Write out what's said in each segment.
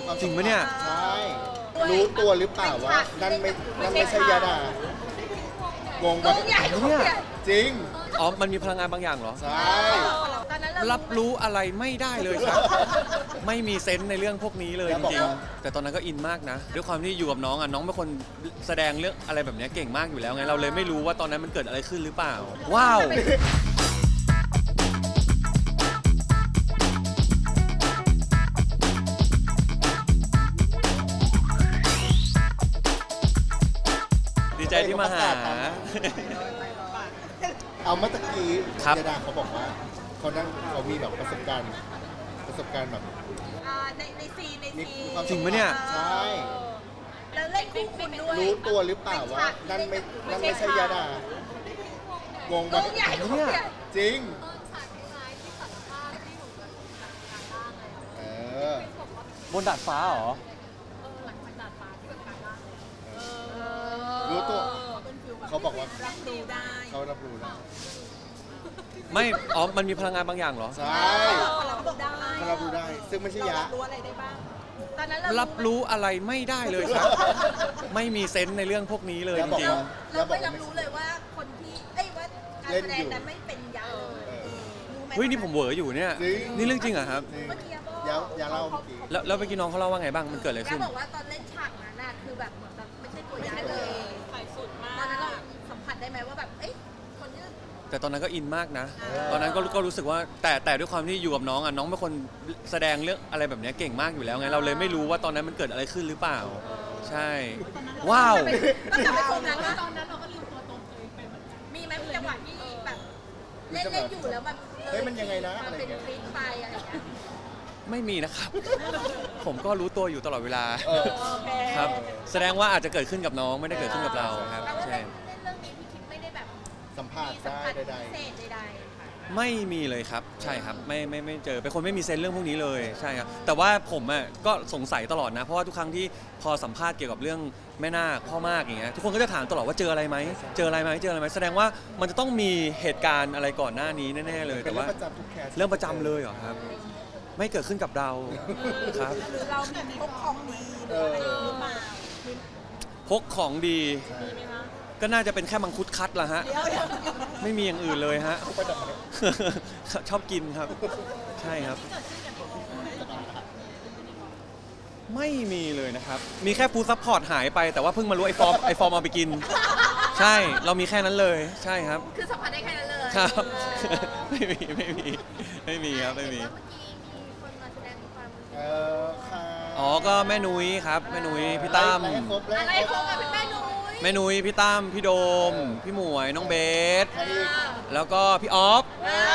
จริงปะเนี่ยใช่รู้ตัวหรือเปล่าว่านั่นไม่ใช่ยาดางงปะเนี่ยจริงอ๋อมันมีพลังงานบางอย่างเหรอใช่รับรู้อะไรไม่ได้เลยครับ ไม่มีเซนส์ในเรื่องพวกนี้เลยจริงๆแต่ตอนนั้นก็อินมากนะด้วยความที่อยู่กับน้องอ่ะน้องเป็นคนแสดงเรื่องอะไรแบบนี้เก่งมากอยู่แล้วไงเราเลยไม่รู้ว่าตอนนั้นมันเกิดอะไรขึ้นหรือเปล่าว้าวดีใจที่มาหาเอาเมื่อตะกี้ครับยาดาเขาบอกว่าเขามีแบบประสบการณ์แบบในซีนมีความจริงปะเนี่ยใช่แล้วเล่นคู่คุณด้วยรู้ตัวหรือเปล่าว่านั่นไม่ใช่ยาดางงปะใหญ่เนี่ยจริงเออบนดาดฟ้าเหรอรู้ตัวเขาบอกว่ารับรู้ได้เขารับรู้แล้วไม่อ๋อมันมีพลังงานบางอย่างเหรอใช่เขารับรู้ได้เขารับรู้ได้ ซึ่งไม่ใช่ยารับรู้อะไรได้บ้างตอนนั้นรับรู้อะไรไม่ได้เลยครับ ไม่มีเซนส์ในเรื่องพวกนี้เลยจริงเราไม่รับรู้เลยว่าคนที่ว่าการแสดงนั้นไม่เป็นยาเลยเออรู้ไหมๆเฮ้ยนี่ผมเหวออยู่เนี่ยจริงนี่เรื่องจริงเหรอครับจริงเมื่อกี้บอกยาเล่าเมื่อกี้แล้วเมื่อกี้น้องเขาเล่าว่าไงบ้างมันเกิดอะไรยาขึ้นบอกว่าตอนเล่นฉากนั้นน่ะคือแบบเหมือนแบบไม่ใช่ตัวยาเลยฝ่ายสุดมากตอนนั้นเราสัมผัสได้ไหมว่าแบบคนที่แต่ตอนนั้นก็อินมากนะ ตอนนั้นก็รู้สึกว่าแต่ด้วยความที่อยู่กับน้องอ่ะน้องเป็นคนแสดงเรื่องอะไรแบบนี้เก่งมากอยู่แล้วไงเราเลยไม่รู้ว่าตอนนั้นมันเกิดอะไรขึ้นหรือเปล่า ใช่ ว้าวต้องกลับไปชมนั้นว่าตอนนั้นเราก็ลืมตัวตนตัวเองไปเหมือนกันมีไหมจังหวะที่แบบเล่นอยู่แล้วมันเฮ้ยมันยังไงนะมันเป็นทริคไปอะไรอย่างเงี้ยไม่มีนะครับ ผมก็รู้ตัวอยู่ตลอดเวลาเออโอเคครับ แสดงว่าอาจจะเกิดขึ้นกับน้องไม่ได้เกิดขึ้นกับเราครับแต่ว่าใช่เล่นเรื่องนี้พี่คิดไม่ได้แบบสัมภาษมีณ์สัมได้ผัสใดพิเศษใดๆไม่มีเลยครับใช่ครับไม่เจอเป็นคนไม่มีเซนส์เรื่องพวกนี้เลยใช่ครับแต่ว่าผมอ่ะก็สงสัยตลอดนะเพราะว่าทุกครั้งที่พอสัมภาษณ์เกี่ยวกับเรื่องแม่นาคพ่อมากอย่างเงี้ยทุกคนก็จะถามตลอดว่าเจออะไรไหมเจออะไรไหมเจออะไรไหมแสดงว่ามันจะต้องมีเหตุการณ์อะไรก่อนหน้านี้แน่ๆเลยๆ เป็นแต่เรื่อว่างประจำทุกแคสเรื่องประจำเลยเหรอครับ ไม่เกิดขึ้นกับเราครับหรือเรามีพกของดีหรืออะไรหรือเปล่าพกของดี ก็น่าจะเป็นแค่มังคุดคัดละฮะเดี๋ยวไม่มีอย่างอื่นเลยฮะประจำไหมชอบกินครับ ใช่ครับ ไม่มีเลยนะครับ มีแค่ฟู้ดซัพพอร์ตหายไปแต่ว่าเพิ่งมารู้ไอฟอร์มเอาไปกิน ใช่เรามีแค่นั้นเลยใช่ครับคือสัมผัสได้แค่นั้นเลยครับเออไม่มีครับไม่มีเห็นว่าเมื่อกี้มีคนมาแสดงความค่ะอ๋อก็แม่นุ้ยครับแม่นุ้ยพี่ตั้มไล่ให้ครบอะไรให้ขครองบกับเป็นแม่นุ้ยแม่นุ้ยพี่ตั้มพี่โดม พี่หมวยน้องเบสใครอีกแล้วก็พี่ออฟ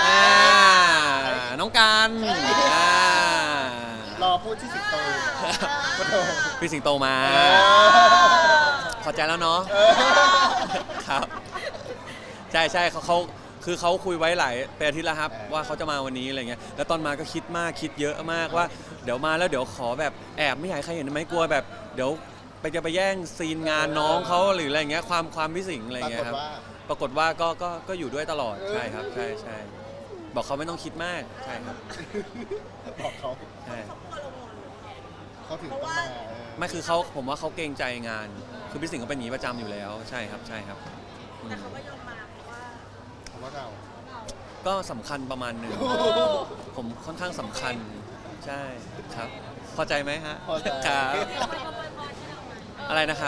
น้องกันอ่ารอพูดที่สิงโตปะโถพี่สิงโตมาเออพอใจแล้วเนาะเออครับใช่เขาคือเขาคุยไว้หลายเป็นอาทิตย์แล้วครับว่าเขาจะมาวันนี้อะไรเงี้ยแล้วตอนมาก็คิดมากคิดเยอะมากว่าเดี๋ยวมาแล้วเดี๋ยวขอแบบแอบไม่อยากให้ใครเห็นไหมกลัวแบบเดี๋ยวไปแย่งซีนงานน้องเขาหรืออะไรเงี้ยความพิสิงอะไรปราเงี้กยฏครับว่าปรากฏว่าก็อยู่ด้วยตลอดใช่ครับใช่บอกเขาไม่ต้องคิดมากใช่ครับบอกเขาใช่เขาถึงต้องมาไม่คือผมว่าเขาเกรงใจงาน คือพี่สิงห์ก็เป็นอย่างนี้ประจำอยู่แล้วใช่ครับอืมแต่เขาก็ยอมมาเพราะว่าเพราะว่าเราก็สำคัญประมาณหนึ่งผมค่อนข้างสำคัญใช่ครับ พอใจไหมฮะพอใจครับอะไรนะครับ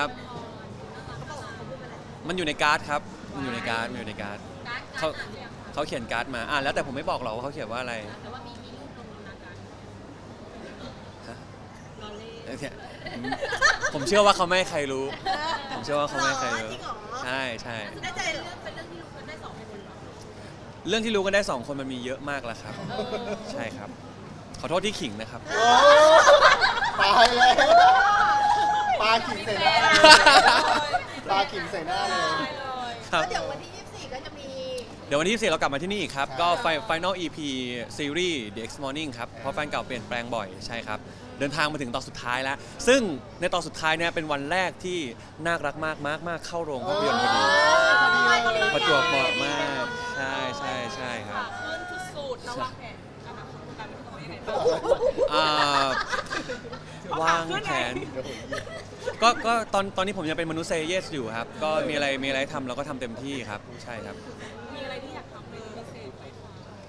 มันอยู่ในการ์ดครับมันอยู่ในการ์ดเขาเขียนการ์ดมาแล้วแต่ผมไม่บอกหรอกว่าเขาเขียนว่าอะไรแต่ว่ามีรูปลงในการฮะรอเล่นเนี่ยผมเชื่อว่าเขาไม่ให้ใครรู้ ผมเชื่อว่าเขาไม่ให้ใครรู้จริงเหรอใช่แน่ใจเรื่องเป็นเรื่องที่รู้กันได้2คนเหรอเรื่องที่รู้กันได้2คนมันมีเยอะมากแล้วครับ ใช่ครับ ขอโทษที่ขิงนะครับโอ้ตายแล้วปลาขิงใส่หน้าเลยปลาขิงใส่หน้าเลยครับแล้วเดี๋ยววันที่24ก็จะมีเดี๋ยววันที่24เรากลับมาที่นี่อีกครับใช่ก็ Final EP Series The X Morning ครับ เพราะแฟนเก่าเปลี่ยนแปลงบ่อยใช่ครับ เดินทางมาถึงตอนสุดท้ายแล้ว ซึ่งในตอนสุดท้ายเนี่ยเป็นวันแรกที่น่ารักมากเข้าโรงภาพยนตร์พอดี ประจวบเหมาะมาก ใช่ครับขึ้นสุดๆระวางแผนอนาคตการเป็นของยังไงบ้างอ่าวางแผน ก็ตอนนี้ผมยังเป็นมนุษย์เซเยสอยู่ครับ ก็มีอะไรทำเราก็ทำเต็มที่ครับ ใช่ครับมีอะไรที่อยากทำเป็นพิเศษไหมคะ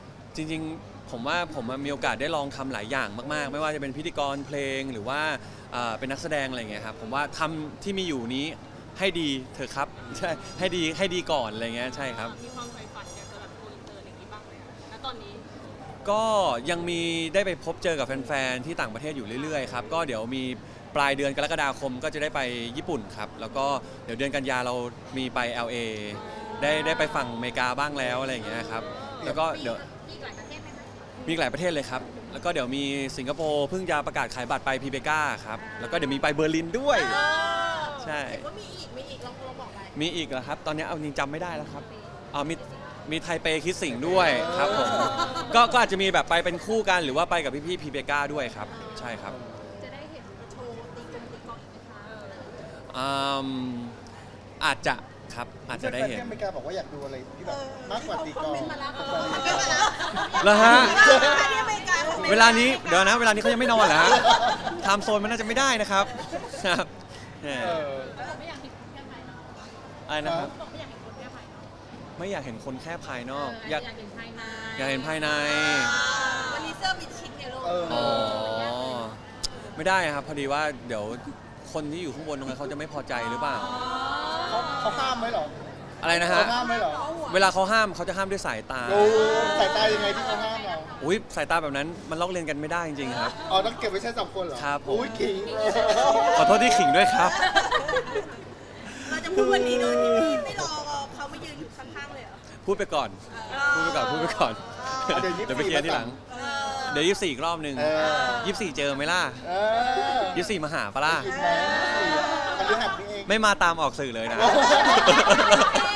จริงๆผมว่าผมมีโอกาสได้ลองทำหลายอย่างมากๆ ไม่ว่าจะเป็นพิธีกรเพลงหรือว่าเป็นนักแสดงอะไรเงี้ยครับผมว่าทำที่มีอยู่นี้ให้ดีเถอะครับใช่ให้ดีก่อนอะไรเงี้ยใช่ครับมีความใฝ่ฝันอยากจะแบบโกอินเตอร์อย่างนี้บ้างไหมคะณตอนนี้ก็ยังมีได้ไปพบเจอกับแฟนๆที่ต่างประเทศอยู่เรื่อยๆครับก็เดี๋ยวมีปลายเดือนกรกฎาคมก็จะได้ไปญี่ปุ่นครับแล้วก็เดี๋ยวเดือนกันยาเรามีไป LA ได้ไปฝั่งอเมริกาบ้างแล้วอะไรอย่างเงี้ยครับแล้วก็เดี๋ยวมีหลายประเทศไหมคะมีหลายประเทศเลยครับ แล้วก็เดี๋ยวมีสิงคโปร์เพิ่งจะประกาศขายบัตรไปพีเบกาครับ แล้วก็เดี๋ยวมีไปเบอร์ลินด้วย ใช่เห็นว่ามีอีกลองบอกไปมีอีกเหรอครับ ตอนนี้เอาจริงจำไม่ได้แล้วครับอ๋อมีไทเปคิดสิ่งด้วยครับผม ก็อาจจะมีแบบไปเป็นคู่กันหรือว่าไปกับพี่ๆพีเบกาด้วยครับ ใช่ครับจะได้เห็นโชว์ตีกลองอีกไหมคะอืมอาจจะครับ อาจจะได้เห็นที่อเมริกาบอกว่าอยากดูอะไรที่แบบมากกว่าตีกลองมาแล้วคอมเมนต์มาแล้วแล้วฮะที่อเมริกาคอมเมนต์เวลานี้เดี๋ยวนะ เวลานี้เขายังไม่นอนเหรอฮะไทม์โซนมันน่าจะไม่ได้นะครับครับแหมไม่อยากเห็นคนแค่ภายนอกอะไรนะครับบอกไม่อยากเห็นคนแค่ภายนอกไม่อยากเห็นคนแค่ภายนอกอยากเห็นภายในอยากเห็นภายในวันนี้เสื้อมิดชิดเนี่ยลูกอ๋อ ไม่ได้ครับ พอดีว่าเดี๋ยวคนที่อยู่ข้างบนตรงนั้นเขาจะไม่พอใจหรือเปล่าเขาห้ามไหมเหรออะไรนะเขาฮะห้ามไหมเหรอเวลาเขาห้ามเขาจะห้ามด้วยสายตาโอ้สายตายังไงที่เขาห้ามเราอุ้ยสายตาแบบนั้นมันลอกเลียนกันไม่ได้จริงๆครับอ๋อต้องเก็บไว้ใช้สองคนเหรอครับผมอุ้ยขิงขอโทษที่ขิงด้วยครับเราจะพูดวันนี้โดยที่ไม่รอเขามายืนอยู่ข้างๆเลยเหรอพูดไปก่อน พูดไปก่อน พูดไปก่อนเดี๋ยวเดี๋ยวไปเคลียร์ทีหลัง เดี๋ยว24อีกรอบหนึ่งเออ 24เจอไหมล่ะเออ 24มาหาปะล่ะขิงไหมมันเรื่องหักนี่เองไม่มาตามออกสื่อเลยนะโอ้โห